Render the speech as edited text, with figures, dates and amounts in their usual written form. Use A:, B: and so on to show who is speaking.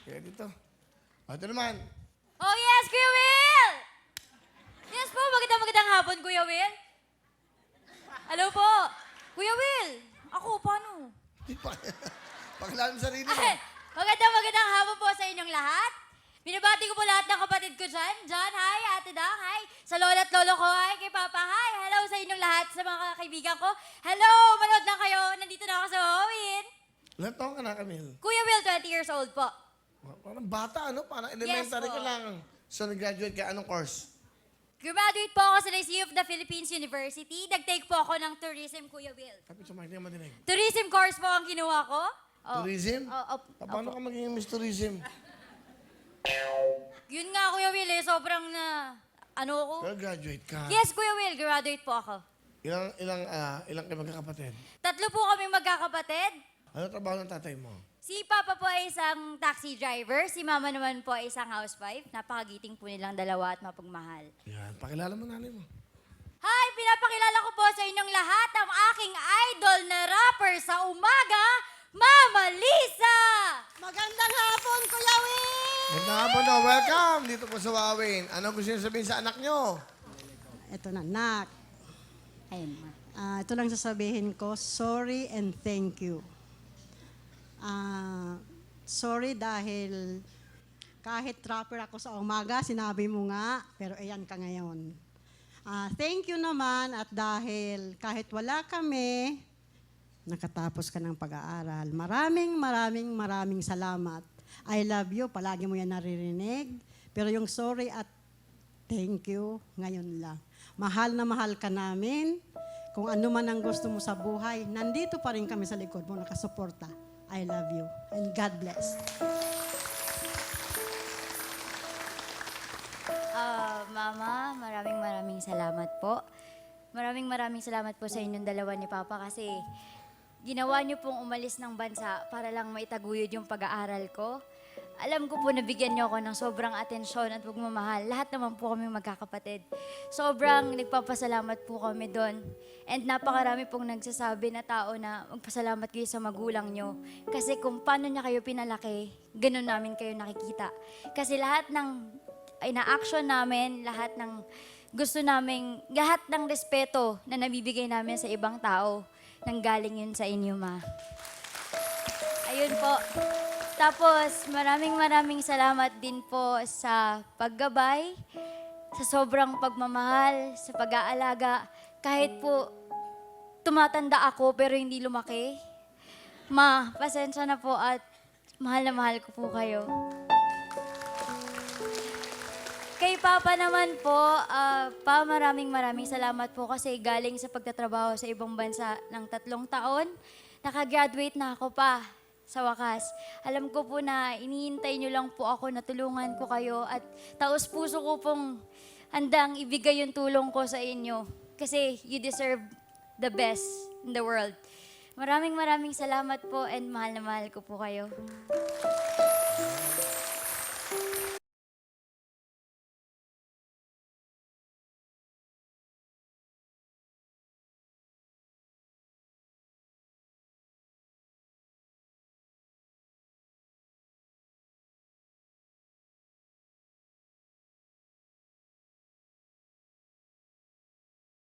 A: Kaya dito. Ito naman.
B: Oh yes, Kuya Will! Yes po, magandang hapon, Kuya Will. Hello po. Kuya Will, ako, paano?
A: Pakilala mo sarili mo.
B: Ay, magandang hapon po sa inyong lahat. Binabati ko po lahat ng kapatid ko dyan. John, hi. Ate Dang, hi. Sa lola at lolo ko, hi. Kay Papa, hi. Hello sa inyong lahat, sa mga kaibigan ko. Hello, manood lang kayo. Nandito na ako sa Wawin.
A: Ilan taon ka na, Camille?
B: Kuya Will, 20 years old po.
A: Parang bata, ano? Parang elementary
B: Yes,
A: ka
B: po.
A: lang. So, nag-graduate ka. Anong course?
B: Graduate po ako sa Lyceum of the Philippines University. Nag-take po ako ng tourism, Kuya Will.
A: Kapit sa mic, hindi madinig.
B: Tourism course po ang kinuha ko. Oh.
A: Tourism?
B: Oh,
A: Paano ka magiging Miss Tourism?
B: Yun nga, Kuya Will, eh. Sobrang na, ano ako?
A: Pero graduate ka.
B: Yes, Kuya Will, graduate po ako.
A: Ilang kayo magkakapatid?
B: 3 po kami magkakapatid.
A: Ano trabaho ng tatay mo?
B: Si Papa po ay isang taxi driver, si Mama naman po ay isang housewife. Napakagiting po nilang dalawa at mapagmahal.
A: Yan. Pakilala mo nanay mo.
B: Hi! Pinapakilala ko po sa inyong lahat ang aking idol na rapper sa umaga, Mama Lisa!
C: Magandang hapon, Kuya Will!
A: Magandang hapon daw. Welcome dito po sa Wawin. Ano gusto niyo sabihin sa anak niyo?
C: Ito na, nak.
B: Ayun, Ma.
C: Ito lang sasabihin ko, sorry and thank you. Sorry dahil kahit trapper ako sa umaga, sinabi mo nga, pero ayan ka ngayon. Thank you naman at dahil kahit wala kami, nakatapos ka ng pag-aaral. Maraming salamat. I love you, palagi mo yan naririnig. Pero yung sorry at thank you, ngayon lang. Mahal na mahal ka namin. Kung ano man ang gusto mo sa buhay, nandito pa rin kami sa likod mo, nakasuporta. I love you. And God bless.
B: Mama, maraming salamat po. Maraming salamat po sa inyong dalawa ni Papa kasi ginawa niyo pong umalis ng bansa para lang maitaguyod yung pag-aaral ko. Alam ko po nabigyan niyo ako ng sobrang atensyon at pagmamahal. Lahat naman po kami magkakapatid. Sobrang nagpapasalamat po kami doon. And napakarami pong nagsasabi na tao na magpasalamat kayo sa magulang niyo. Kasi kung paano niya kayo pinalaki, ganun namin kayo nakikita. Kasi lahat ng ina-action namin, lahat ng gusto namin, lahat ng respeto na nabibigay namin sa ibang tao, nanggaling yun sa inyo, Ma. Ayun po. Tapos, maraming salamat din po sa paggabay, sa sobrang pagmamahal, sa pag-aalaga. Kahit po tumatanda ako pero hindi lumaki. Ma, pasensya na po at mahal na mahal ko po kayo. Kay Papa naman po, Pa, maraming salamat po kasi galing sa pagtatrabaho sa ibang bansa ng 3 taon, nakagraduate na ako pa sa wakas. Alam ko po na iniintay niyo lang po ako na tulungan ko kayo at taos puso ko pong handang ibigay yung tulong ko sa inyo kasi you deserve the best in the world. Maraming salamat po and mahal na mahal ko po kayo.